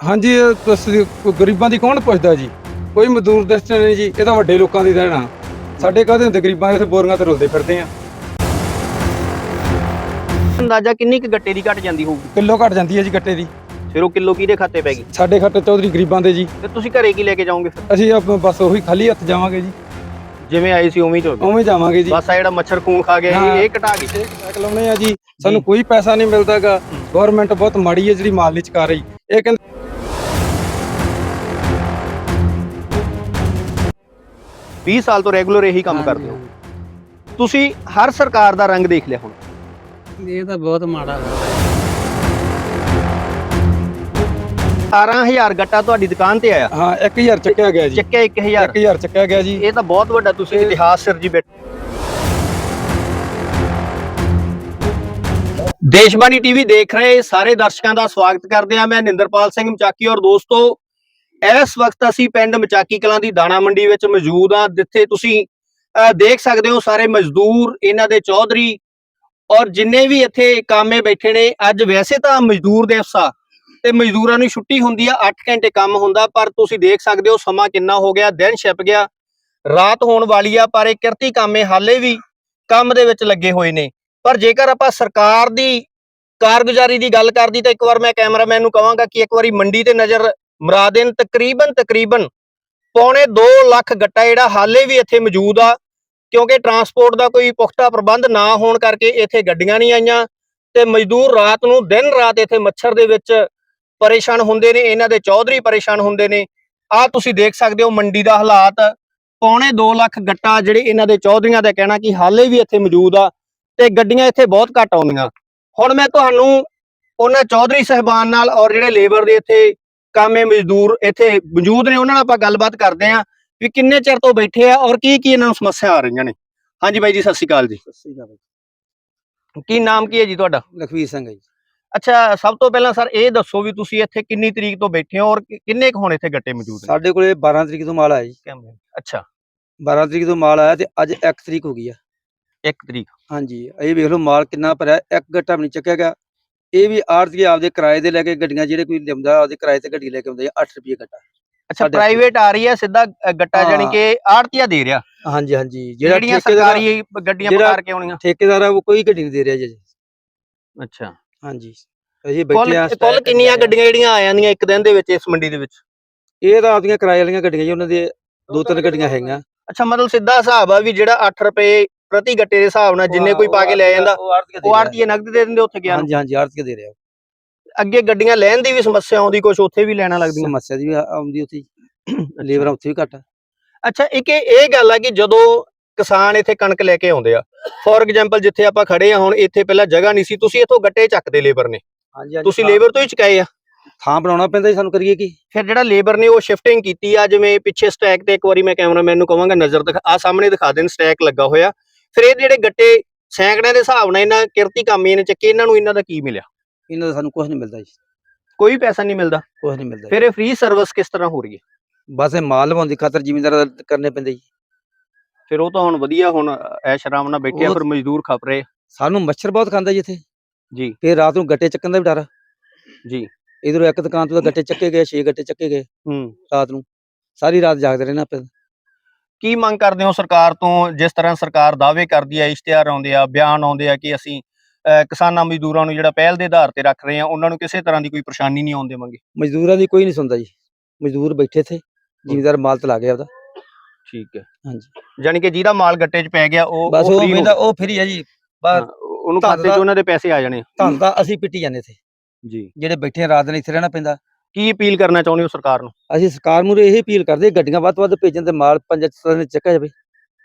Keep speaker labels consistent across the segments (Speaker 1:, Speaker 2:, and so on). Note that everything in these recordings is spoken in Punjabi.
Speaker 1: ਹਾਂਜੀ ਗਰੀਬਾਂ ਦੀ ਕੌਣ ਪੁੱਛਦਾ ਜੀ। ਕੋਈ ਮਜ਼ਦੂਰ ਦਸਤੇ ਨਹੀਂ ਜੀ, ਇਹ ਤਾਂ ਵੱਡੇ ਲੋਕਾਂ ਦੀ ਦੇਣਾ। ਸਾਡੇ ਕਾਹਦੇ ਹੁੰਦੇ ਗਰੀਬਾਂ, ਇੱਥੇ ਬੋਰੀਆਂ ਤੇ ਰੁਲਦੇ ਫਿਰਦੇ ਆ।
Speaker 2: ਅੰਦਾਜ਼ਾ ਕਿੰਨੀ ਕੁ ਗੱਟੇ ਦੀ ਘਟ ਜਾਂਦੀ ਹੋਊਗੀ?
Speaker 1: ਕਿਲੋ ਘਟ ਜਾਂਦੀ ਹੈ ਜੀ ਗੱਟੇ ਦੀ।
Speaker 2: ਫਿਰ ਉਹ ਕਿਲੋ ਕਿਹਦੇ ਖਾਤੇ ਪੈ ਗਈ?
Speaker 1: ਸਾਡੇ ਖਾਤੇ ਚੌਧਰੀ ਗਰੀਬਾਂ ਦੇ ਜੀ।
Speaker 2: ਤੇ ਤੁਸੀਂ ਘਰੇ ਕੀ ਲੈ ਕੇ ਜਾਓਗੇ ਫਿਰ?
Speaker 1: ਅਸੀਂ ਬਸ ਉਹੀ ਖਾਲੀ ਹੱਥ ਜਾਵਾਂਗੇ ਜੀ।
Speaker 2: ਜਿਵੇਂ ਆਏ ਸੀ ਉਵੇਂ ਹੀ ਤੋਂ
Speaker 1: ਉਵੇਂ ਜਾਵਾਂਗੇ ਜੀ।
Speaker 2: ਬਸ ਆ ਜਿਹੜਾ ਮੱਛਰ ਖੂਨ ਖਾ ਗਿਆ ਇਹ ਘਟਾ ਗਈ।
Speaker 1: ਇਹ ਲਾਉਣੇ ਆ ਜੀ, ਸਾਨੂੰ ਕੋਈ ਪੈਸਾ ਨਹੀਂ ਮਿਲਦਾਗਾ। ਗਵਰਨਮੈਂਟ ਬਹੁਤ ਮਾੜੀ ਹੈ ਜਿਹੜੀ ਮਾਲ ਨਹੀਂ ਚੁਕਾ ਰਹੀ। ਇਹ ਕਹਿੰਦੇ
Speaker 2: 20 ਸਾਲ ਤੋਂ ਰੈਗੂਲਰ ਇਹੀ ਕੰਮ ਕਰਦੇ ਹੋ ਤੁਸੀਂ। ਹਰ ਸਰਕਾਰ ਦਾ ਰੰਗ ਦੇਖ ਲਿਆ ਹੁਣ।
Speaker 3: ਇਹ ਤਾਂ ਬਹੁਤ ਮਾੜਾ ਹੈ।
Speaker 2: 18000 ਗੱਟਾ ਤੁਹਾਡੀ ਦੁਕਾਨ ਤੇ ਆਇਆ।
Speaker 1: ਹਾਂ 1000 ਚੱਕਿਆ ਗਿਆ ਜੀ।
Speaker 2: ਚੱਕਿਆ 1000
Speaker 1: 1000 ਚੱਕਿਆ ਗਿਆ ਜੀ।
Speaker 2: ਇਹ ਤਾਂ ਬਹੁਤ ਵੱਡਾ ਤੁਸੀਂ ਇਤਿਹਾਸ ਸਿਰਜੀ ਬੈਠੇ। ਦੇਸ਼ਬਾਣੀ ਟੀਵੀ ਦੇਖ ਰਹੇ ਸਾਰੇ ਦਰਸ਼ਕਾਂ ਦਾ ਸਵਾਗਤ ਕਰਦੇ ਹਾਂ। ਮੈਂ ਨਿੰਦਰਪਾਲ ਸਿੰਘ ਮਚਾਕੀ। ਔਰ ਦੋਸਤੋ, ਇਸ ਵਕਤ ਅਸੀਂ ਪਿੰਡ ਮਚਾਕੀ ਕਲਾਂ ਦੀ ਦਾਣਾ ਮੰਡੀ ਵਿੱਚ ਮੌਜੂਦ ਹਾਂ, ਜਿੱਥੇ ਤੁਸੀਂ ਦੇਖ ਸਕਦੇ ਹੋ ਸਾਰੇ ਮਜ਼ਦੂਰ, ਇਹਨਾਂ ਦੇ ਚੌਧਰੀ ਔਰ ਜਿੰਨੇ ਵੀ ਇੱਥੇ ਕਾਮੇ ਬੈਠੇ ਨੇ। ਅੱਜ ਵੈਸੇ ਤਾਂ ਮਜ਼ਦੂਰ ਦਿਵਸ ਆ ਤੇ ਮਜ਼ਦੂਰਾਂ ਨੂੰ ਛੁੱਟੀ ਹੁੰਦੀ ਆ, 8 ਘੰਟੇ ਕੰਮ ਹੁੰਦਾ, ਪਰ ਤੁਸੀਂ ਦੇਖ ਸਕਦੇ ਹੋ ਸਮਾਂ ਕਿੰਨਾ ਹੋ ਗਿਆ, ਦਿਨ ਛਿਪ ਗਿਆ, ਰਾਤ ਹੋਣ ਵਾਲੀ ਆ, ਪਰ ਇਹ ਕਿਰਤੀ ਕਾਮੇ ਹਾਲੇ ਵੀ ਕੰਮ ਦੇ ਵਿੱਚ ਲੱਗੇ ਹੋਏ ਨੇ। ਪਰ ਜੇਕਰ ਆਪਾਂ ਸਰਕਾਰ ਦੀ ਕਾਰਗੁਜ਼ਾਰੀ ਦੀ ਗੱਲ ਕਰਦੀ ਤਾਂ ਇੱਕ ਵਾਰ ਮੈਂ ਕੈਮਰਾਮੈਨ ਨੂੰ ਕਹਾਂਗਾ ਕਿ ਇੱਕ ਵਾਰੀ ਮੰਡੀ ਤੇ ਨਜ਼ਰ ਮਰਾ ਦੇਣ। ਤਕਰੀਬਨ ਪੌਣੇ 2 ਲੱਖ ਗੱਟਾ ਜਿਹੜਾ ਹਾਲੇ ਵੀ ਇੱਥੇ ਮੌਜੂਦ ਆ, ਕਿਉਂਕਿ ਟਰਾਂਸਪੋਰਟ ਦਾ ਕੋਈ ਪੁਖਤਾ ਪ੍ਰਬੰਧ ਨਾ ਹੋਣ ਕਰਕੇ ਇੱਥੇ ਗੱਡੀਆਂ ਨਹੀਂ ਆਈਆਂ ਤੇ ਮਜ਼ਦੂਰ ਰਾਤ ਨੂੰ ਦਿਨ ਰਾਤ ਇੱਥੇ ਮੱਛਰ ਦੇ ਵਿੱਚ ਪਰੇਸ਼ਾਨ ਹੁੰਦੇ ਨੇ। ਇਹਨਾਂ ਦੇ ਚੌਧਰੀ ਪਰੇਸ਼ਾਨ ਹੁੰਦੇ ਨੇ। ਆਹ ਤੁਸੀਂ ਦੇਖ ਸਕਦੇ ਹੋ ਮੰਡੀ ਦਾ ਹਾਲਾਤ। ਪੌਣੇ 2 ਲੱਖ ਗੱਟਾ ਜਿਹੜੇ ਇਹਨਾਂ ਦੇ ਚੌਧਰੀਆਂ ਦਾ ਕਹਿਣਾ ਕਿ ਹਾਲੇ ਵੀ ਇੱਥੇ ਮੌਜੂਦ ਆ ਤੇ ਗੱਡੀਆਂ ਇੱਥੇ ਬਹੁਤ ਘੱਟ ਆਉਂਦੀਆਂ। ਹੁਣ ਮੈਂ ਤੁਹਾਨੂੰ ਉਹਨਾਂ ਚੌਧਰੀ ਸਾਹਿਬਾਨ ਨਾਲ ਔਰ ਜਿਹੜੇ ਲੇਬਰ ਦੇ ਇੱਥੇ ਕਾਮੇ ਮਜ਼ਦੂਰ ਇੱਥੇ ਮੌਜੂਦ ਨੇ ਉਹਨਾਂ ਨਾਲ ਆਪਾਂ ਗੱਲਬਾਤ ਕਰਦੇ ਆਂ ਵੀ ਕਿੰਨੇ ਚਿਰ ਤੋਂ ਬੈਠੇ ਆ ਔਰ ਕੀ ਇਹਨਾਂ ਨੂੰ ਸਮੱਸਿਆ ਆ ਰਹੀਆਂ ਨੇ। ਹਾਂਜੀ ਬਾਈ ਜੀ, ਸਤਿ ਸ਼੍ਰੀ ਅਕਾਲ ਜੀ। ਕੀ ਨਾਮ ਕੀ ਹੈ ਜੀ ਤੁਹਾਡਾ?
Speaker 1: ਲਖਵੀਰ ਸਿੰਘ ਹੈ ਜੀ।
Speaker 2: ਅੱਛਾ, ਸਭ ਤੋਂ ਪਹਿਲਾਂ ਸਰ ਇਹ ਦੱਸੋ ਵੀ ਤੁਸੀਂ ਇੱਥੇ ਕਿੰਨੀ ਤਰੀਕ ਤੋਂ ਬੈਠੇ ਹੋ ਔਰ ਕਿੰਨੇ ਕੁ ਹੁਣ ਇੱਥੇ ਗੱਟੇ ਮੌਜੂਦ ਨੇ?
Speaker 1: ਸਾਡੇ ਕੋਲੇ 12 ਤਰੀਕ ਤੋਂ ਮਾਲ ਆਇਆ ਜੀ।
Speaker 2: ਅੱਛਾ,
Speaker 1: 12 ਤਰੀਕ ਤੋਂ ਮਾਲ ਆਇਆ ਤੇ ਅੱਜ 1 ਤਰੀਕ ਹੋ ਗਈ ਆ।
Speaker 2: 1 ਤਰੀਕ।
Speaker 1: ਹਾਂਜੀ, ਇਹ ਵੇਖ ਲਓ ਮਾਲ ਕਿੰਨਾ ਭਰਿਆ, ਇੱਕ ਗੱਟਾ ਵੀ ਨਹੀਂ ਚੱਕਿਆ ਗਿਆ। ਇਹ ਵੀ ਆੜ੍ਹਤੀਏ ਆਪਦੇ ਕਿਰਾਏ ਦੇ ਲੈ ਕੇ ਗੱਡੀਆਂ, ਜਿਹੜੇ ਕੋਈ ਲਿਆਉਂਦਾ ਆਪਦੇ ਕਿਰਾਏ ਤੇ ਗੱਡੀ ਲੈ ਕੇ ਆਉਂਦੇ ਆ, 8 ਰੁਪਏ ਗੱਟਾ।
Speaker 2: ਅੱਛਾ, ਪ੍ਰਾਈਵੇਟ ਆ ਰਹੀ ਹੈ ਸਿੱਧਾ ਗੱਟਾ, ਜਾਨੀ ਕਿ ਆੜ੍ਹਤੀਆ ਦੇ ਰਿਹਾ।
Speaker 1: ਹਾਂਜੀ ਹਾਂਜੀ,
Speaker 2: ਜਿਹੜੀਆਂ ਸਰਕਾਰੀ ਗੱਡੀਆਂ ਪਕਾਰ ਕੇ ਆਉਣੀਆਂ
Speaker 1: ਠੇਕੇਦਾਰ ਆ ਉਹ ਕੋਈ ਗੱਡੀ ਨਹੀਂ ਦੇ ਰਿਹਾ ਜੀ।
Speaker 2: ਅੱਛਾ,
Speaker 1: ਹਾਂਜੀ, ਅਸੀਂ ਬੈਠੇ ਆ।
Speaker 2: ਕੁੱਲ ਕਿੰਨੀਆਂ ਗੱਡੀਆਂ ਜਿਹੜੀਆਂ ਆ ਜਾਂਦੀਆਂ ਇੱਕ ਦਿਨ ਦੇ ਵਿੱਚ ਇਸ ਮੰਡੀ ਦੇ ਵਿੱਚ?
Speaker 1: ਇਹ ਤਾਂ ਆਪਦੀਆਂ ਕਿਰਾਏ ਵਾਲੀਆਂ ਗੱਡੀਆਂ ਜੀ, ਉਹਨਾਂ ਦੇ 2-3 ਗੱਡੀਆਂ ਹੈਗੀਆਂ।
Speaker 2: ਅੱਛਾ, ਮਤਲਬ ਸਿੱਧਾ ਹਿਸਾਬ ਆ ਵੀ ਜਿਹੜਾ 8 ਰੁਪਏ ਪ੍ਰਤੀ ਗੱਟੇ ਦੇ ਹਿਸਾਬ ਨਾਲ ਜਿੰਨੇ ਕੋਈ ਪਾ ਕੇ ਲੈ ਜਾਂਦਾ ਉਹ ਆੜ੍ਹਤੀਏ ਨਗਦ ਦੇ ਦਿੰਦੇ ਉੱਥੇ ਗਿਆ?
Speaker 1: ਹਾਂਜੀ ਹਾਂਜੀ, ਆੜ੍ਹਤੀਏ ਦੇ ਰਿਹਾ।
Speaker 2: ਅੱਗੇ ਗੱਡੀਆਂ ਲੈਣ ਦੀ ਵੀ ਸਮੱਸਿਆ ਆਉਂਦੀ, ਕੁਝ ਉੱਥੇ ਵੀ ਲੈਣਾ ਲੱਗਦੀਆਂ?
Speaker 1: ਸਮੱਸਿਆ ਦੀ ਵੀ ਆਉਂਦੀ ਉੱਥੇ, ਲੇਬਰਾਂ ਉੱਥੇ ਵੀ ਘੱਟ।
Speaker 2: ਅੱਛਾ, ਇੱਕ ਇਹ ਗੱਲ ਆ ਕਿ ਜਦੋਂ ਕਿਸਾਨ ਇੱਥੇ ਕਣਕ ਲੈ ਕੇ ਆਉਂਦੇ ਆ, ਫੋਰ ਐਗਜ਼ਾਮਪਲ ਜਿੱਥੇ ਆਪਾਂ ਖੜੇ ਆ ਹੁਣ, ਇੱਥੇ ਪਹਿਲਾਂ ਜਗ੍ਹਾ ਨਹੀਂ ਸੀ, ਤੁਸੀਂ ਇੱਥੋਂ ਗੱਟੇ ਚੱਕਦੇ ਲੇਬਰ ਨੇ, ਤੁਸੀਂ ਲੇਬਰ ਤੋਂ ਹੀ ਚੁਕਾਏ ਆ?
Speaker 1: ਥਾਂ ਬਣਾਉਣਾ ਪੈਂਦਾ ਜੀ, ਸਾਨੂੰ ਕਰੀਏ ਕੀ।
Speaker 2: ਫਿਰ ਜਿਹੜਾ ਲੇਬਰ ਨੇ ਉਹ ਸ਼ਿਫਟਿੰਗ ਕੀਤੀ ਆ, ਜਿਵੇਂ ਪਿੱਛੇ ਸਟੈਕ ਤੇ ਇੱਕ ਵਾਰੀ ਮੈਂ ਕੈਮਰਾਮੈਨ ਨੂੰ ਕਹਾਂਗਾ ਨਜ਼ਰ ਦਿਖਾ, ਆ ਸਾਹਮਣੇ ਦਿਖਾ ਦੇਣ, ਸਟੈਕ ਲੱਗਾ ਹੋਇਆ। ਫਿਰ ਇਹ ਜਿਹੜੇ ਗੱਟੇ ਸੈਂਕੜਿਆਂ ਦੇ ਹਿਸਾਬ ਨਾਲ ਇਹਨਾਂ ਕਿਰਤੀ ਕਾਮੇ ਨੇ ਚੱਕੇ, ਇਹਨਾਂ ਨੂੰ ਇਹਨਾਂ ਦਾ ਕੀ ਮਿਲਿਆ?
Speaker 1: ਇਹਨਾਂ ਦਾ ਸਾਨੂੰ ਕੁਝ ਨਹੀਂ ਮਿਲਦਾ ਜੀ, ਕੋਈ
Speaker 2: ਪੈਸਾ ਨਹੀਂ ਮਿਲਦਾ।
Speaker 1: ਕੁਝ ਨਹੀਂ ਮਿਲਦਾ।
Speaker 2: ਫਿਰ ਇਹ ਫ੍ਰੀ ਸਰਵਿਸ ਕਿਸ ਤਰ੍ਹਾਂ ਹੋ ਰਹੀ ਹੈ?
Speaker 1: ਬਸ ਇਹ ਮਾਲ ਲਵਾਉਣ ਦੀ ਖਾਤਰ ਜ਼ਿਮੀਂਦਾਰ ਕਰਨੇ ਪੈਂਦੇ ਜੀ।
Speaker 2: ਫਿਰ ਉਹ ਤਾਂ ਹੁਣ ਵਧੀਆ, ਹੁਣ ਐਸ਼ ਆਰਾਮ ਨਾਲ ਬੈਠੇ ਆ, ਫਿਰ ਮਜ਼ਦੂਰ ਖੱਪ ਰਹੇ।
Speaker 1: ਸਾਨੂੰ ਮੱਛਰ ਬਹੁਤ ਖਾਂਦਾ ਜੀ ਇੱਥੇ
Speaker 2: ਜੀ।
Speaker 1: ਫਿਰ ਰਾਤ ਨੂੰ ਗੱਟੇ ਚੱਕਣ ਦਾ ਵੀ ਡਰ
Speaker 2: ਜੀ।
Speaker 1: ਇਧਰੋਂ ਇੱਕ ਦੁਕਾਨ ਤੋਂ ਗੱਟੇ ਚੱਕੇ ਗਏ, 6 ਗੱਟੇ ਚੱਕੇ ਗਏ ਰਾਤ ਨੂੰ, ਸਾਰੀ ਰਾਤ ਜਾਗਦੇ ਰਹਿਣਾ ਪਿਆ।
Speaker 2: ਕੀ ਮੰਗ ਕਰਦੇ ਹੋ ਸਰਕਾਰ ਤੋਂ? ਜਿਸ ਤਰ੍ਹਾਂ ਸਰਕਾਰ ਦਾਅਵੇ ਕਰਦੀ ਹੈ, ਇਸ਼ਤਿਹਾਰ ਆਉਂਦੇ ਆ, ਬਿਆਨ ਆਉਂਦੇ ਆ ਕਿ ਅਸੀਂ ਕਿਸਾਨਾਂ ਮਜ਼ਦੂਰਾਂ ਨੂੰ ਜਿਹੜਾ ਪਹਿਲ ਦੇ ਆਧਾਰ ਤੇ ਰੱਖ ਰਹੇ ਆ, ਉਹਨਾਂ ਨੂੰ ਕਿਸੇ ਤਰ੍ਹਾਂ ਦੀ ਕੋਈ ਪਰੇਸ਼ਾਨੀ ਨਹੀਂ ਆਉਣ ਦੇਵਾਂਗੇ।
Speaker 1: ਮਜ਼ਦੂਰਾਂ ਦੀ ਕੋਈ ਨਹੀਂ ਸੁਣਦਾ ਜੀ, ਮਜ਼ਦੂਰ ਬੈਠੇ ਇੱਥੇ, ਜ਼ਿਮੀਂਦਾਰ ਮਾਲ ਤਲਾ ਗਿਆ ਉਹਦਾ।
Speaker 2: ਠੀਕ ਹੈ।
Speaker 1: ਹਾਂਜੀ,
Speaker 2: ਜਾਨੀ ਕਿ ਜਿਹਦਾ ਮਾਲ ਗੱਟੇ 'ਚ ਪੈ ਗਿਆ ਉਹ
Speaker 1: ਬਸ ਉਹ ਫਰੀ ਹੈ ਜੀ, ਬਸ
Speaker 2: ਉਹਨੂੰ ਖਾਤੇ 'ਚ ਉਹਨਾਂ ਦੇ ਪੈਸੇ ਆ ਜਾਣੇ।
Speaker 1: ਧੰਨ ਤਾਂ ਅਸੀਂ ਪਿੱਟੀ ਜਾਂਦੇ ਇੱਥੇ
Speaker 2: ਜੀ,
Speaker 1: ਜਿਹੜੇ ਬੈਠੇ ਰਾਤ ਦਿਨ ਇੱਥੇ ਰਹਿਣਾ ਪੈਂਦਾ।
Speaker 2: ਕੀ ਅਪੀਲ ਕਰਨਾ ਚਾਹੁੰਦੇ ਹੋ ਸਰਕਾਰ ਨੂੰ?
Speaker 1: ਅਸੀਂ ਸਰਕਾਰ ਨੂੰ ਇਹ ਅਪੀਲ ਕਰਦੇ, ਗੱਡੀਆਂ ਵੱਧ ਤੋਂ ਵੱਧ ਭੇਜਣ ਤੇ ਮਾਲ 5 ਦਿਨ ਚੱਕਿਆ ਜਾਵੇ।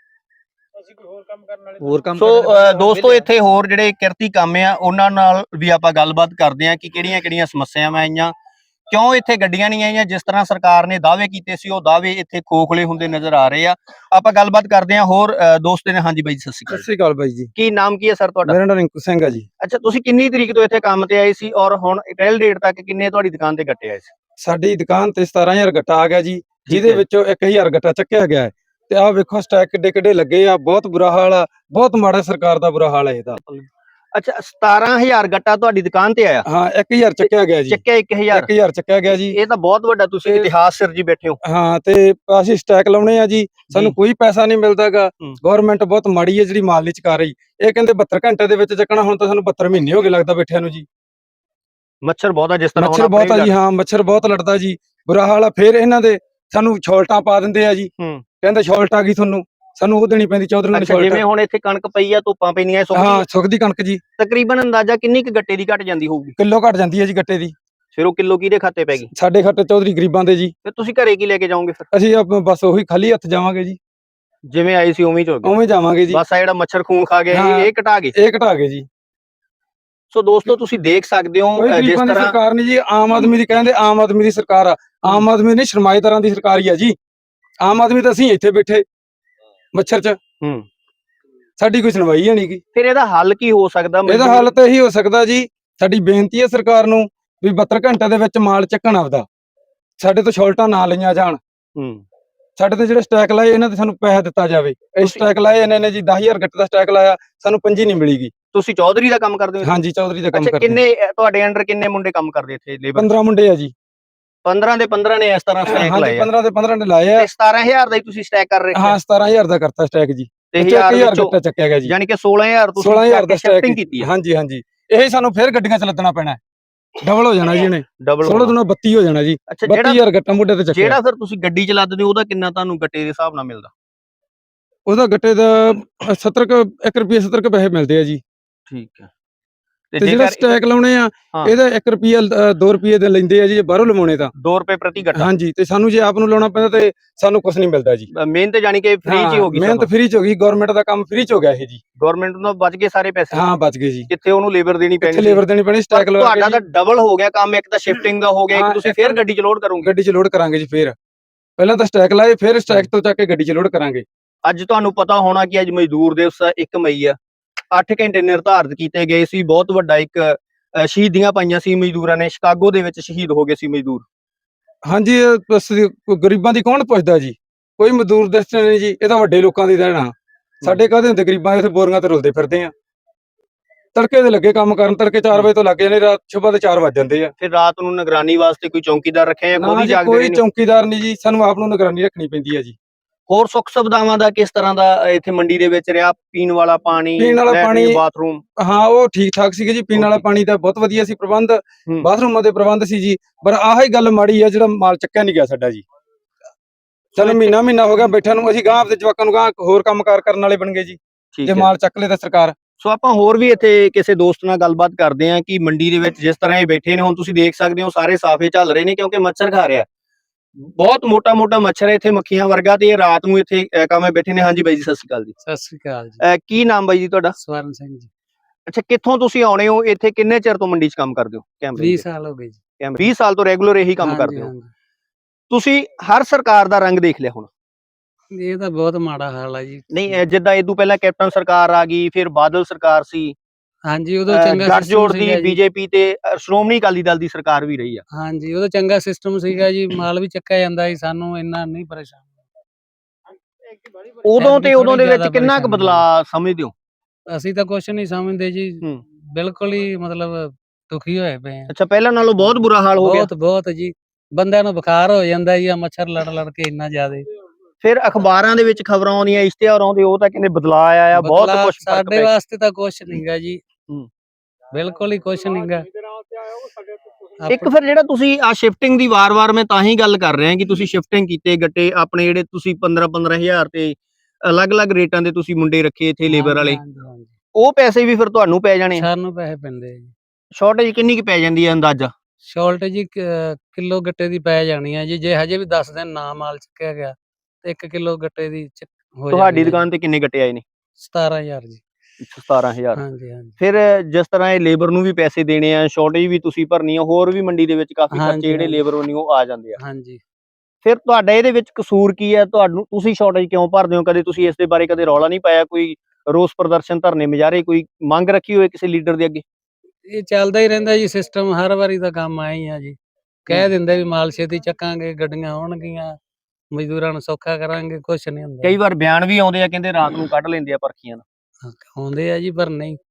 Speaker 1: ਹੋਰ ਕੰਮ
Speaker 2: ਸੋ ਦੋਸਤੋ, ਇੱਥੇ ਹੋਰ ਜਿਹੜੇ ਕਿਰਤੀ ਕਾਮੇ ਆ ਉਹਨਾਂ ਨਾਲ ਵੀ ਆਪਾਂ ਗੱਲਬਾਤ ਕਰਦੇ ਆ ਕਿ ਕਿਹੜੀਆਂ ਸਮੱਸਿਆਵਾਂ ਆਈਆਂ, ਕਿਉਂ ਇੱਥੇ ਗੱਡੀਆਂ ਨਹੀਂ ਆਈਆਂ। ਜਿਸ ਤਰ੍ਹਾਂ ਸਰਕਾਰ ਨੇ ਦਾਅਵੇ ਕੀਤੇ ਸੀ, ਉਹ ਦਾਅਵੇ ਇੱਥੇ ਖੋਖਲੇ ਹੁੰਦੇ ਨਜ਼ਰ ਆ ਰਹੇ ਆ। ਆਪਾਂ ਗੱਲਬਾਤ ਕਰਦੇ ਆ ਹੋਰ ਦੋਸਤ ਨੇ। ਹਾਂਜੀ ਬਾਈ ਜੀ, ਸਤਿ ਸ਼੍ਰੀ ਅਕਾਲ
Speaker 1: ਬਾਈ ਜੀ।
Speaker 2: ਕੀ ਨਾਮ ਕੀ ਹੈ ਸਰ ਤੁਹਾਡਾ?
Speaker 1: ਮੇਰਾ ਨਾਮ ਰਿੰਕੂ ਸਿੰਘ ਹੈ ਜੀ।
Speaker 2: ਅੱਛਾ, ਤੁਸੀਂ ਕਿੰਨੀ ਤਰੀਕ ਤੋਂ ਇੱਥੇ ਕੰਮ ਤੇ ਆਏ ਸੀ ਔਰ ਹੁਣ ਟੈਲ ਡੇਟ ਤੱਕ ਕਿੰਨੇ ਤੁਹਾਡੀ ਦੁਕਾਨ ਤੇ ਗੱਟੇ ਆਏ ਸੀ?
Speaker 1: ਸਾਡੀ ਦੁਕਾਨ ਤੇ 17000 ਗੱਟਾ ਆ ਗਿਆ ਜੀ, ਜਿਹਦੇ ਵਿੱਚੋਂ 1000 ਗੱਟਾ ਚੱਕਿਆ ਗਿਆ ਹੈ। ਤੇ ਆਹ ਵੇਖੋ ਸਟੈਕ ਕਿੱਡੇ ਕਿੱਡੇ ਲੱਗੇ ਆ, ਬਹੁਤ ਬੁਰਾ ਹਾਲ ਆ, ਬਹੁਤ ਮਾੜਾ ਸਰਕਾਰ ਦਾ ਬੁਰਾ ਹਾਲ ਹੈ ਇਹਦਾ।
Speaker 2: ਅੱਛਾ 17000 ਗੱਟਾ ਤੁਹਾਡੀ ਦੁਕਾਨ ਤੇ ਆਇਆ,
Speaker 1: ਹਾਂ 1000 ਚੱਕਿਆ ਗਿਆ ਜੀ,
Speaker 2: ਚੱਕਿਆ 1000।
Speaker 1: 1000 ਚੱਕਿਆ ਗਿਆ ਜੀ।
Speaker 2: ਇਹ ਤਾਂ ਬਹੁਤ ਵੱਡਾ ਤੁਸੀਂ
Speaker 1: ਤੇ-
Speaker 2: ਇਤਿਹਾਸ ਸਿਰਜੀ ਬੈਠੇ ਹੋ।
Speaker 1: ਹਾਂ ਤੇ ਅਸੀਂ ਸਟੈਕ ਲਾਉਣੇ ਆ ਜੀ, ਸਾਨੂੰ ਕੋਈ ਪੈਸਾ ਨਹੀਂ ਮਿਲਦਾਗਾ।
Speaker 2: ਹੂੰ।
Speaker 1: ਗਵਰਨਮੈਂਟ ਬਹੁਤ ਮਾੜੀ ਹੈ ਜਿਹੜੀ ਮਾਲ ਨਹੀਂ ਚੁਕਾ ਰਹੀ। ਇਹ ਕਹਿੰਦੇ 72 ਘੰਟੇ ਦੇ ਵਿੱਚ ਚੱਕਣਾ, ਹੁਣ ਤਾਂ ਸਾਨੂੰ 72 ਮਹੀਨੇ ਹੋ ਗਏ ਲੱਗਦਾ ਬੈਠਿਆਂ ਨੂੰ ਜੀ।
Speaker 2: ਮੱਛਰ ਬਹੁਤ ਆ ਜਿਸ ਤਰ੍ਹਾਂ
Speaker 1: ਮੱਛਰ ਬਹੁਤ ਆ ਜੀ, ਹਾਂ ਮੱਛਰ ਬਹੁਤ ਲੜਦਾ ਜੀ, ਬੁਰਾ ਹਾਲ ਆ। ਫਿਰ ਇਹਨਾਂ ਦੇ ਸਾਨੂੰ ਛੋਲਟਾਂ ਪਾ ਦਿੰਦੇ ਆ ਜੀ,
Speaker 2: ਹੂੰ।
Speaker 1: ਕਹਿੰਦੇ ਛੋਲਟ ਆ ਗਈ ਤੁਹਾਨੂੰ, ਸਾਨੂੰ ਉਹ ਦੇਣੀ ਪੈਂਦੀ ਚੌਧਰੀ ਨੂੰ
Speaker 2: ਅੱਛਾ
Speaker 1: ਛੋਲਟ।
Speaker 2: ਜਿਵੇਂ ਹੁਣ ਇੱਥੇ ਕਣਕ ਪਈ ਆ, ਧੁੱਪਾਂ ਪੈਣੀਆਂ,
Speaker 1: ਹਾਂ ਸੁੱਕਦੀ ਕਣਕ ਜੀ,
Speaker 2: ਤਕਰੀਬਨ ਅੰਦਾਜ਼ਾ ਕਿੰਨੀ ਕੁ ਗੱਟੇ ਦੀ ਘਟ ਜਾਂਦੀ ਹੋਊਗੀ?
Speaker 1: ਕਿਲੋ ਘਟ ਜਾਂਦੀ ਹੈ ਜੀ ਗੱਟੇ ਦੀ।
Speaker 2: ਫਿਰ ਉਹ ਕਿਲੋ ਕਿਹਦੇ ਖਾਤੇ ਪੈ ਗਈ?
Speaker 1: ਸਾਡੇ ਖਾਤੇ ਚੌਧਰੀ ਗਰੀਬਾਂ ਦੇ ਜੀ।
Speaker 2: ਫਿਰ ਤੁਸੀਂ ਘਰੇ ਕੀ ਲੈ ਕੇ ਜਾਓਗੇ? ਫਿਰ
Speaker 1: ਅਸੀਂ ਬਸ ਉਹੀ ਖਾਲੀ ਹੱਥ ਜਾਵਾਂਗੇ ਜੀ,
Speaker 2: ਜਿਵੇਂ ਆਏ ਸੀ ਉਵੇਂ ਹੀ ਚਲ ਗਏ,
Speaker 1: ਉਵੇਂ ਜਾਵਾਂਗੇ ਜੀ।
Speaker 2: ਬਸ ਆ ਜਿਹੜਾ ਮੱਛਰ ਖੂਨ ਖਾ ਗਿਆ
Speaker 1: ਹਾਂ।
Speaker 2: ਇਹ ਘਟਾ ਗਏ।
Speaker 1: ਇਹ ਘਟਾ ਗਏ ਜੀ।
Speaker 2: ਸੋ ਦੋਸਤੋ ਤੁਸੀਂ ਦੇਖ ਸਕਦੇ ਹੋ
Speaker 1: ਕੋਈ
Speaker 2: ਜਿਸ
Speaker 1: ਗਰੀਬਾਂ ਦੀ
Speaker 2: ਤਰ੍ਹਾਂ
Speaker 1: ਸਰਕਾਰ ਨਹੀਂ ਜੀ, ਆਮ ਆਦਮੀ ਦੀ ਕਹਿੰਦੇ ਆਮ ਆਦਮੀ ਦੀ ਸਰਕਾਰ ਆ। ਆਮ ਆਦਮੀ ਨਹੀਂ, ਸਰਮਾਏਦਾਰਾਂ ਦੀ ਸਰਕਾਰ ਹੀ ਆ ਜੀ। ਆਮ ਆਦਮੀ ਤਾਂ ਅਸੀਂ ਇੱਥੇ ਬੈਠੇ ਮੱਛਰ 'ਚ, ਸਾਡੀ ਕੋਈ ਸੁਣਵਾਈ ਹੈ ਨਹੀਂ ਗੀ।
Speaker 2: ਫਿਰ ਇਹਦਾ ਹੱਲ ਕੀ ਹੋ ਸਕਦਾ?
Speaker 1: ਇਹਦਾ ਹੱਲ ਤਾਂ ਇਹੀ ਹੋ ਸਕਦਾ ਜੀ, ਸਾਡੀ ਬੇਨਤੀ ਹੈ ਸਰਕਾਰ ਨੂੰ ਵੀ 72 ਘੰਟੇ ਦੇ ਵਿੱਚ ਮਾਲ ਚੱਕਣ ਆਪਦਾ, ਸਾਡੇ ਤੋਂ ਛੋਲਟਾਂ ਨਾ ਲਈਆਂ ਜਾਣ। ਸਾਡੇ ਤੇ ਜਿਹੜੇ ਸਟੈਕ ਲਾਏ ਇਹਨਾਂ ਤੇ ਸਾਨੂੰ ਪੈਸਾ ਦਿੱਤਾ ਜਾਵੇ। ਇਹ ਸਟੈਕ ਲਾਏ ਇਹਨਾਂ ਨੇ ਜੀ 10000 ਗੱਟੇ ਦਾ ਸਟੈਕ ਲਾਇਆ, ਸਾਨੂੰ ਪੰਜੀ ਨਹੀਂ ਮਿਲੀਗੀ।
Speaker 2: ਤੁਸੀਂ ਚੌਧਰੀ ਦਾ ਕੰਮ ਕਰਦੇ ਹੋ?
Speaker 1: ਹਾਂਜੀ ਚੌਧਰੀ ਦਾ ਕੰਮ
Speaker 2: ਅੱਛਾ
Speaker 1: ਕਰਦੇ।
Speaker 2: ਕਿੰਨੇ ਤੁਹਾਡੇ ਅੰਡਰ ਕਿੰਨੇ ਮੁੰਡੇ ਕੰਮ ਕਰਦੇ ਇੱਥੇ ਲੇਬਰ?
Speaker 1: 15 ਮੁੰਡੇ ਆ ਜੀ।
Speaker 2: 15 ਦੇ 15 ਨੇ ਇਸ ਤਰ੍ਹਾਂ ਸਟੈਕ
Speaker 1: ਹਾਂਜੀ
Speaker 2: ਲਾਏ ਆ
Speaker 1: 15 ਦੇ 15 ਨੇ ਲਾਏ ਆ।
Speaker 2: ਤੇ 17000 ਦਾ ਹੀ ਤੁਸੀਂ ਸਟੈਕ ਕਰ ਰਹੇ ਹੋ?
Speaker 1: ਹਾਂ 17000 ਦਾ ਕਰਤਾ ਸਟੈਕ ਜੀ,
Speaker 2: ਤੇ
Speaker 1: 1000
Speaker 2: ਵਿੱਚੋਂ
Speaker 1: ਗੱਟਾ ਚੱਕਿਆ ਗਿਆ ਜੀ।
Speaker 2: ਯਾਨੀ ਕਿ 16000 ਤੁਸੀਂ
Speaker 1: 16000 ਦਾ
Speaker 2: ਸ਼ਿਫਟਿੰਗ ਕੀਤੀ ਹੈ।
Speaker 1: ਹਾਂਜੀ ਹਾਂਜੀ, ਇਹ ਸਾਨੂੰ ਫਿਰ ਗੱਡੀਆਂ 'ਚ ਲੱਦਣਾ ਪੈਣਾ, ਡਬਲ ਹੋ ਜਾਣਾ ਜੀ ਇਹਨੇ,
Speaker 2: ਡਬਲ
Speaker 1: 16 ਦੁਨਾ 32 ਹੋ ਜਾਣਾ ਜੀ।
Speaker 2: ਅੱਛਾ ਜਿਹੜਾ
Speaker 1: 32000 ਗੱਟਾ ਮੁੰਡੇ ਤੇ ਚੱਕਿਆ।
Speaker 2: ਜਿਹੜਾ ਫਿਰ ਤੁਸੀਂ ਗੱਡੀ ਚ ਲੱਦਦੇ ਹੋ ਉਹਦਾ ਕਿੰਨਾ ਤੁਹਾਨੂੰ ਗੱਟੇ ਦੇ ਹਿਸਾਬ ਨਾਲ ਮਿਲਦਾ?
Speaker 1: ਉਹਦਾ ਗੱਟੇ ਦਾ 70 ਕੁ 1 ਰੁਪਿਆ 70 ਕੁ ਪੈਸੇ ਮਿਲਦੇ ਆ ਜੀ।
Speaker 2: ਠੀਕ ਹੈ।
Speaker 1: ਤੇ ਜਿਹੜਾ ਸਟੈਕ ਲਾਉਣੇ ਆ ਇਹਦਾ 1 ਰੁਪਿਆ 2 ਰੁਪਏ ਦੇ ਲੈਂਦੇ ਆ ਜੀ, ਜੇ ਬਾਹਰੋਂ ਲਵਾਉਣੇ ਤਾਂ
Speaker 2: 2 ਰੁਪਏ ਪ੍ਰਤੀ ਗੱਟਾ।
Speaker 1: ਹਾਂਜੀ, ਤੇ ਸਾਨੂੰ ਜੇ ਆਪ ਨੂੰ ਲਾਉਣਾ ਪੈਂਦਾ ਤੇ ਸਾਨੂੰ ਕੁਝ ਨਹੀਂ ਮਿਲਦਾ ਜੀ।
Speaker 2: ਮਿਹਨਤ ਜਾਨੀ ਕਿ ਫ੍ਰੀ ਚ ਹੀ ਹੋ ਗਈ।
Speaker 1: ਮਿਹਨਤ ਫ੍ਰੀ ਚ ਹੋ ਗਈ, ਗਵਰਨਮੈਂਟ ਦਾ ਕੰਮ ਫ੍ਰੀ ਚ ਹੋ ਗਿਆ ਇਹ ਜੀ।
Speaker 2: ਗਵਰਨਮੈਂਟ ਨੂੰ ਬਚ ਗਏ ਸਾਰੇ ਪੈਸੇ।
Speaker 1: ਹਾਂ ਬਚ ਗਏ ਜੀ,
Speaker 2: ਕਿੱਥੇ ਉਹਨੂੰ ਲੇਬਰ ਦੇਣੀ ਪੈਣੀ,
Speaker 1: ਲੇਬਰ ਦੇਣੀ ਪੈਣੀ ਸਟੈਕ ਲਵਾ ਕੇ।
Speaker 2: ਤੁਹਾਡਾ ਤਾਂ ਡਬਲ ਹੋ ਗਿਆ ਕੰਮ, ਇੱਕ ਤਾਂ ਸ਼ਿਫਟਿੰਗ ਦਾ ਹੋ ਗਿਆ, ਇੱਕ ਤੁਸੀਂ ਫੇਰ ਗੱਡੀ ਚ ਲੋਡ ਕਰੋਗੇ।
Speaker 1: ਗੱਡੀ ਚ ਲੋਡ ਕਰਾਂਗੇ ਜੀ, ਫੇਰ ਪਹਿਲਾਂ ਤਾਂ ਸਟੈਕ ਲਾਏ, ਫਿਰ ਸਟੈਕ ਤੋਂ ਚੱਕ ਕੇ ਗੱਡੀ ਚ ਲੋਡ ਕਰਾਂਗੇ।
Speaker 2: ਅੱਜ ਤੁਹਾਨੂੰ ਪਤਾ ਹੋਣਾ ਕਿ ਅੱਜ ਮਜ਼ਦੂਰ ਦਿਵਸ 1 ਮਈ ਆ। 8 ਘੰਟੇ ਨਿਰਧਾਰਿਤ ਕੀਤੇ ਗਏ ਸੀ, ਬਹੁਤ ਵੱਡਾ ਇੱਕ ਸ਼ਹੀਦੀਆਂ ਪਾਈਆਂ ਸੀ ਮਜ਼ਦੂਰਾਂ ਨੇ, ਸ਼ਿਕਾਗੋ ਦੇ ਵਿੱਚ ਸ਼ਹੀਦ ਹੋ ਗਏ ਸੀ ਮਜ਼ਦੂਰ।
Speaker 1: ਹਾਂਜੀ ਬਸ ਗਰੀਬਾਂ ਦੀ ਕੌਣ ਪੁੱਛਦਾ ਜੀ, ਕੋਈ ਮਜ਼ਦੂਰ ਦੱਸਦੇ ਨਹੀਂ ਜੀ, ਇਹ ਤਾਂ ਵੱਡੇ ਲੋਕਾਂ ਦੀ ਦੇਣਾ। ਸਾਡੇ ਕਾਹਦੇ ਹੁੰਦੇ ਗਰੀਬਾਂ ਦੇ, ਬੋਰੀਆਂ ਤੇ ਰੁਲਦੇ ਫਿਰਦੇ ਆ। ਤੜਕੇ ਦੇ ਲੱਗੇ ਕੰਮ ਕਰਨ, ਤੜਕੇ 4 ਵਜੇ ਤੋਂ ਲੱਗ ਜਾਂਦੇ, ਰਾਤ ਸੁਬਾਹ ਦੇ 4 ਵੱਜ ਜਾਂਦੇ ਆ।
Speaker 2: ਫਿਰ ਰਾਤ ਨੂੰ ਨਿਗਰਾਨੀ ਵਾਸਤੇ ਕੋਈ ਚੌਕੀਦਾਰ ਰੱਖਿਆ ਜਾਂ ਖੁਦ ਹੀ ਜਾਗਦੇ
Speaker 1: ਕੋਈ ਚੌਕੀਦਾਰ ਨਹੀਂ ਜੀ, ਸਾਨੂੰ ਆਪ ਨੂੰ ਨਿਗਰਾਨੀ ਰੱਖਣੀ ਪੈਂਦੀ ਹੈ ਜੀ।
Speaker 2: ਹੋਰ ਸੁੱਖ ਸੁਵਿਧਾਵਾਂ ਦਾ ਕਿਸ ਤਰ੍ਹਾਂ ਦਾ ਇੱਥੇ ਮੰਡੀ ਦੇ ਵਿੱਚ ਰਿਹਾ? ਪੀਣ ਵਾਲਾ ਪਾਣੀ, ਬਾਥਰੂਮ?
Speaker 1: ਹਾਂ ਉਹ ਠੀਕ ਠਾਕ ਸੀਗੇ ਜੀ, ਪੀਣ ਵਾਲਾ ਪਾਣੀ ਦਾ ਬਹੁਤ ਵਧੀਆ ਸੀ ਪ੍ਰਬੰਧ, ਬਾਥਰੂਮਾਂ ਦੇ ਪ੍ਰਬੰਧ ਸੀ ਜੀ। ਪਰ ਆਹੀ ਗੱਲ ਮਾੜੀ ਆ, ਜਿਹੜਾ ਮਾਲ ਚੱਕਿਆ ਨਹੀਂ ਗਿਆ ਸਾਡਾ ਜੀ। ਸਾਨੂੰ ਮਹੀਨਾ ਹੋ ਗਿਆ ਬੈਠਿਆਂ ਨੂੰ, ਅਸੀਂ ਗਾਂਹ ਆਪਦੇ ਜਵਾਕਾਂ ਨੂੰ ਗਾਂਹ ਹੋਰ ਕੰਮਕਾਰ ਕਰਨ ਵਾਲੇ ਬਣ ਗਏ ਜੀ, ਜੇ ਮਾਲ ਚੱਕ ਲਏ ਤਾਂ ਸਰਕਾਰ।
Speaker 2: ਸੋ ਆਪਾਂ ਹੋਰ ਵੀ ਇੱਥੇ ਕਿਸੇ ਦੋਸਤ ਨਾਲ ਗੱਲਬਾਤ ਕਰਦੇ ਹਾਂ ਕਿ ਮੰਡੀ ਦੇ ਵਿੱਚ ਜਿਸ ਤਰ੍ਹਾਂ ਇਹ ਬੈਠੇ ਨੇ, ਹੁਣ ਤੁਸੀਂ ਦੇਖ ਸਕਦੇ ਹੋ ਸਾਰੇ ਸਾਫੇ ਚੱਲ ਰਹੇ ਨੇ ਕਿਉਂਕਿ ਮੱਛਰ ਖਾ ਰਿਹਾ, ਬਹੁਤ ਮੋਟਾ ਮੱਛਰ ਹੈ ਇੱਥੇ, ਮੱਖੀਆਂ ਵਰਗਾ, ਤੇ ਇਹ ਰਾਤ ਨੂੰ ਇੱਥੇ ਕਾਮੇ ਬੈਠੇ ਨੇ। ਹਾਂਜੀ ਬਾਈ ਜੀ, ਸਤਿ ਸ਼੍ਰੀ ਅਕਾਲ ਜੀ।
Speaker 3: ਸਤਿ ਸ੍ਰੀ ਅਕਾਲ ਜੀ।
Speaker 2: ਕੀ ਨਾਮ ਬਾਈ ਜੀ ਤੁਹਾਡਾ?
Speaker 3: ਸਵਰਨ ਸਿੰਘ ਜੀ।
Speaker 2: ਅੱਛਾ, ਕਿੱਥੋਂ ਤੁਸੀਂ ਆਉਣੇ ਹੋ? ਇੱਥੇ ਕਿੰਨੇ ਚਿਰ ਤੋਂ ਮੰਡੀ 'ਚ ਕੰਮ ਕਰਦੇ ਹੋ?
Speaker 3: 20 ਸਾਲ ਹੋ ਗਏ ਜੀ।
Speaker 2: 20 ਸਾਲ ਤੋਂ ਰੈਗੂਲਰ ਇਹੀ ਕੰਮ ਕਰਦੇ ਹੋ? ਤੁਸੀਂ ਹਰ ਸਰਕਾਰ ਦਾ ਰੰਗ ਦੇਖ ਲਿਆ ਹੁਣ?
Speaker 3: ਇਹ ਤਾਂ ਬਹੁਤ ਮਾੜਾ ਹਾਲ ਆ ਜੀ।
Speaker 2: ਨਹੀਂ, ਜਿੱਦਾਂ ਇਹ ਤੋਂ ਪਹਿਲਾਂ ਕੈਪਟਨ ਸਰਕਾਰ ਆ ਗਈ, ਫਿਰ ਬਾਦਲ ਸਰਕਾਰ ਸੀ,
Speaker 3: ਹਾਂਜੀ ਉਦੋਂ ਚੰਗਾ
Speaker 2: ਗੱਠਜੋੜ ਦੀ ਬੀਜੇਪੀ ਤੇ ਸ਼੍ਰੋਮਣੀ ਅਕਾਲੀ ਦਲ ਦੀ ਸਰਕਾਰ ਵੀ ਰਹੀ ਆ।
Speaker 3: ਹਾਂਜੀ ਉਦੋਂ ਚੰਗਾ ਸਿਸਟਮ ਸੀਗਾ ਜੀ, ਮਾਲ ਵੀ ਚੱਕਿਆ ਜਾਂਦਾ ਸੀ, ਸਾਨੂੰ ਇੰਨਾ ਨਹੀਂ ਪਰੇਸ਼ਾਨ।
Speaker 2: ਉਦੋਂ ਤੇ ਉਦੋਂ ਦੇ ਵਿੱਚ ਕਿੰਨਾ ਕੁ ਬਦਲਾਅ ਸਮਝਦੇ ਹੋ?
Speaker 3: ਅਸੀਂ ਤਾਂ ਕੁਝ ਨਹੀਂ ਸਮਝਦੇ ਜੀ, ਬਿਲਕੁਲ ਹੀ ਮਤਲਬ ਦੁਖੀ ਹੋਏ ਪਏ ਆ।
Speaker 2: ਅੱਛਾ, ਪਹਿਲਾਂ ਨਾਲੋਂ ਬਹੁਤ ਬੁਰਾ ਹਾਲ ਹੋ ਗਿਆ?
Speaker 3: ਬਹੁਤ ਜੀ, ਬੰਦਿਆਂ ਨੂੰ ਬੁਖਾਰ ਹੋ ਜਾਂਦਾ ਜੀ, ਆ ਮੱਛਰ ਲੜ ਕੇ ਇੰਨਾ ਜ਼ਿਆਦਾ।
Speaker 2: ਫਿਰ ਅਖਬਾਰਾਂ ਦੇ ਵਿੱਚ ਖਬਰਾਂ ਆਉਂਦੀਆਂ, ਇਸ਼ਤਿਹਾਰ ਆਉਂਦੇ, ਉਹ ਤਾਂ ਕਹਿੰਦੇ ਬਦਲਾਅ ਆਇਆ, ਬਹੁਤ ਕੁਝ।
Speaker 3: ਸਾਡੇ ਵਾਸਤੇ ਤਾਂ ਕੁਝ ਨਹੀਂਗਾ ਜੀ, ਬਿਲਕੁਲ ਹੀ ਕੁਝ ਨਹੀਂਗਾ।
Speaker 2: ਇੱਕ ਫਿਰ ਜਿਹੜਾ ਤੁਸੀਂ ਆ ਸ਼ਿਫਟਿੰਗ ਦੀ ਵਾਰ-ਵਾਰ ਮੈਂ ਤਾਂ ਹੀ ਗੱਲ ਕਰ ਰਿਹਾ ਕਿ ਤੁਸੀਂ ਸ਼ਿਫਟਿੰਗ ਕੀਤੇ ਗੱਟੇ ਆਪਣੇ, ਜਿਹੜੇ ਤੁਸੀਂ 15,000 ਤੇ ਅਲੱਗ-ਅਲੱਗ ਰੇਟਾਂ ਦੇ ਤੁਸੀਂ ਮੁੰਡੇ ਰੱਖੇ ਇੱਥੇ ਲੇਬਰ ਵਾਲੇ, ਉਹ ਪੈਸੇ ਵੀ ਫਿਰ ਤੁਹਾਨੂੰ ਪੈ ਜਾਣੇ?
Speaker 3: ਸਾਨੂੰ ਪੈਸੇ ਪੈਂਦੇ ਜੀ।
Speaker 2: ਸ਼ਾਰਟੇਜ ਕਿੰਨੀ ਕੁ ਪੈ ਜਾਂਦੀ ਹੈ ਅੰਦਾਜ਼ਾ?
Speaker 3: ਸ਼ਾਰਟੇਜ ਜੀ ਕਿਲੋ ਗੱਟੇ ਦੀ ਪੈ ਜਾਣੀ ਆ ਜੀ, ਜੇ ਹਜੇ ਵੀ 10 ਦਿਨ ਨਾ ਮਾਲ ਚੱਕਿਆ ਗਿਆ ਤੇ 1 ਕਿਲੋ ਗੱਟੇ ਦੀ ਹੋ ਜਾਣੀ।
Speaker 2: ਤੁਹਾਡੀ ਦੁਕਾਨ ਤੇ ਕਿੰਨੇ ਗੱਟੇ ਆਏ ਨੇ?
Speaker 3: 17,000 ਜੀ।
Speaker 2: 17,000।
Speaker 3: ਹਾਂਜੀ।
Speaker 2: ਫਿਰ ਜਿਸ ਤਰ੍ਹਾਂ ਇਹ ਲੇਬਰ ਨੂੰ ਵੀ ਪੈਸੇ ਦੇਣੇ ਆ, ਸ਼ਾਰਟੇਜ ਵੀ ਤੁਸੀਂ ਭਰਨੀ ਆ, ਹੋਰ ਵੀ ਮੰਡੀ ਦੇ ਵਿੱਚ ਕਾਫੀ ਖਰਚੇ ਜਿਹੜੇ ਲੇਬਰ ਵੱਲੋਂ ਉਹ ਆ ਜਾਂਦੇ ਆ।
Speaker 3: ਹਾਂਜੀ।
Speaker 2: ਫਿਰ ਤੁਹਾਡਾ ਇਹਦੇ ਵਿੱਚ ਕਸੂਰ ਕੀ ਹੈ? ਤੁਸੀਂ ਸ਼ਾਰਟੇਜ ਕਿਉਂ ਭਰਦੇ ਹੋ? ਕਦੇ ਤੁਸੀਂ ਇਸ ਦੇ ਬਾਰੇ ਕਦੇ ਰੌਲਾ ਨਹੀਂ ਪਾਇਆ? ਕੋਈ ਰੋਸ ਪ੍ਰਦਰਸ਼ਨ, ਧਰਨੇ, ਮੁਜ਼ਾਹਰੇ, ਕੋਈ ਮੰਗ ਰੱਖੀ ਹੋਏ ਕਿਸੇ ਲੀਡਰ ਦੇ ਅੱਗੇ?
Speaker 3: ਇਹ ਚੱਲਦਾ ਹੀ ਰਹਿੰਦਾ ਜੀ ਸਿਸਟਮ, ਹਰ ਵਾਰੀ ਦਾ ਕੰਮ ਆਇਆ ਹੀ ਆ ਜੀ। ਕਹਿ ਦਿੰਦੇ ਵੀ ਮਾਲ ਛੇਤੀ ਚੱਕਾਂਗੇ, ਗੱਡੀਆਂ ਆਉਣਗੀਆਂ, ਮਜ਼ਦੂਰਾਂ ਨੂੰ ਸੌਖਾ ਕਰਾਂਗੇ, ਕੁਛ ਨਹੀਂ ਹੁੰਦਾ।
Speaker 2: ਕਈ ਵਾਰ ਬਿਆਨ ਵੀ ਆਉਂਦੇ ਆ, ਕਹਿੰਦੇ ਰਾਤ ਨੂੰ ਕੱਢ ਲੈਂਦੇ ਆ ਪਰਖੀਆਂ।
Speaker 3: ਆਉਂਦੇ ਆ ਜੀ, ਪਰ ਨਹੀਂ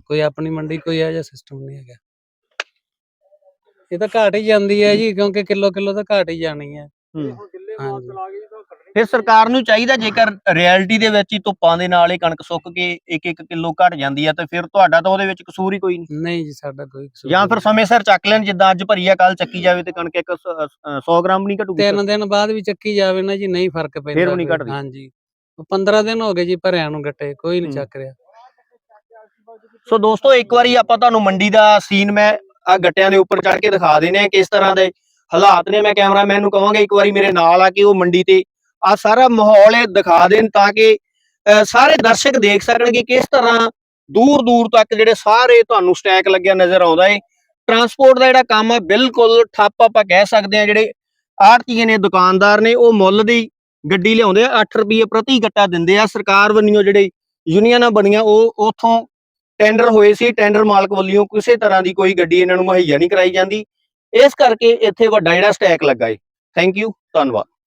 Speaker 3: ਕੋਈ ਆਪਣੀ ਮੰਡੀ ਕੋਈ ਇਹੋ ਜਿਹਾ ਸਿਸਟਮ ਨਹੀਂ ਹੈਗਾ। ਇਹ ਤਾਂ ਘਾਟ ਹੀ ਜਾਂਦੀ ਹੈ ਜੀ, ਕਿਉਂਕਿ ਕਿਲੋ ਤਾਂ ਘਾਟ ਹੀ ਜਾਣੀ ਹੈ। ਹਾਂਜੀ।
Speaker 2: ਫਿਰ ਸਰਕਾਰ ਨੂੰ ਚਾਹੀਦਾ, ਜੇਕਰ ਰਿਐਲਿਟੀ ਦੇ ਵਿੱਚ ਹੀ ਧੁੱਪਾਂ ਦੇ ਨਾਲ ਇਹ ਕਣਕ ਸੁੱਕ ਕੇ 1-1 ਕਿਲੋ ਘਟ ਜਾਂਦੀ ਹੈ, ਤੇ ਫਿਰ ਤੁਹਾਡਾ ਤਾਂ ਉਹਦੇ ਵਿੱਚ ਕਸੂਰ ਹੀ ਕੋਈ ਨਹੀਂ।
Speaker 3: ਨਹੀਂ ਜੀ, ਸਾਡਾ ਕੋਈ ਕਸੂਰ
Speaker 2: ਜਾਂ
Speaker 3: ਨਹੀਂ।
Speaker 2: ਫਿਰ ਸਮੇਂ ਸਿਰ ਚੱਕ ਲੈਣ, ਜਿੱਦਾਂ ਅੱਜ ਭਰੀ ਆ ਕੱਲ ਚੱਕੀ ਜਾਵੇ ਤੇ ਕਣਕ 100 ਗ੍ਰਾਮ ਨਹੀਂ ਘਟੂਗੀ।
Speaker 3: 3 ਦਿਨ ਬਾਅਦ ਵੀ ਚੱਕੀ ਜਾਵੇ ਨਾ ਜੀ, ਨਹੀਂ ਫਰਕ ਪੈਂਦਾ।
Speaker 2: ਫਿਰ ਵੀ ਨਹੀਂ
Speaker 3: ਕੋਈ।
Speaker 2: ਘਟਦੀ।
Speaker 3: ਹਾਂਜੀ, 15 ਦਿਨ ਹੋ ਗਏ ਜੀ ਭਰਿਆਂ ਨੂੰ ਗੱਟੇ, ਕੋਈ ਨਹੀਂ ਚੱਕ ਰਿਹਾ।
Speaker 2: ਸੋ ਦੋਸਤੋ, ਇੱਕ ਵਾਰੀ ਆਪਾਂ ਤੁਹਾਨੂੰ ਮੰਡੀ ਦਾ ਸੀਨ ਮੈਂ ਆ ਗੱਟਿਆਂ ਦੇ ਉੱਪਰ ਚੜ ਕੇ ਦਿਖਾ ਦਿੰਦੇ ਆ ਕਿਸ ਤਰ੍ਹਾਂ ਦੇ ਹਾਲਾਤ ਨੇ। ਮੈਂ ਕੈਮਰਾਮੈਨ ਨੂੰ ਕਹਾਂਗਾ ਇੱਕ ਵਾਰੀ ਮੇਰੇ ਨਾਲ ਆ ਕੇ ਉਹ ਮੰਡੀ ਤੇ ਆ ਸਾਰਾ ਮਾਹੌਲ ਇਹ ਦਿਖਾ ਦੇਣ, ਤਾਂ ਕਿ ਸਾਰੇ ਦਰਸ਼ਕ ਦੇਖ ਸਕਣ ਕਿ ਕਿਸ ਤਰ੍ਹਾਂ ਦੂਰ ਦੂਰ ਤੱਕ ਜਿਹੜੇ ਸਾਰੇ ਤੁਹਾਨੂੰ ਸਟੈਕ ਲੱਗਿਆ ਨਜ਼ਰ ਆਉਂਦਾ ਏ। ਟਰਾਂਸਪੋਰਟ ਦਾ ਜਿਹੜਾ ਕੰਮ ਆ ਬਿਲਕੁਲ ਠੱਪ ਆਪਾਂ ਕਹਿ ਸਕਦੇ ਆ। ਜਿਹੜੇ ਆੜ੍ਹਤੀਏ ਨੇ, ਦੁਕਾਨਦਾਰ ਨੇ, ਉਹ ਮੁੱਲ ਦੀ ਗੱਡੀ ਲਿਆਉਂਦੇ ਆ, 8 ਰੁਪਏ ਪ੍ਰਤੀ ਗੱਟਾ ਦਿੰਦੇ ਆ। ਸਰਕਾਰ ਵੱਲੋਂ ਜਿਹੜੇ ਯੂਨੀਅਨਾਂ ਬਣੀਆਂ ਉਹ ਉਥੋਂ ਟੈਂਡਰ ਹੋਏ ਸੀ, ਟੈਂਡਰ ਮਾਲਕ ਵੱਲੋਂ ਕਿਸੇ ਤਰ੍ਹਾਂ ਦੀ ਕੋਈ ਗੱਡੀ ਇਹਨਾਂ ਨੂੰ ਮੁਹੱਈਆ ਨਹੀਂ ਕਰਾਈ ਜਾਂਦੀ। ਇਸ ਕਰਕੇ ਇੱਥੇ ਵੱਡਾ ਜਿਹੜਾ ਸਟੈਕ ਲੱਗਾ ਏ। ਥੈਂਕ ਯੂ, ਧੰਨਵਾਦ।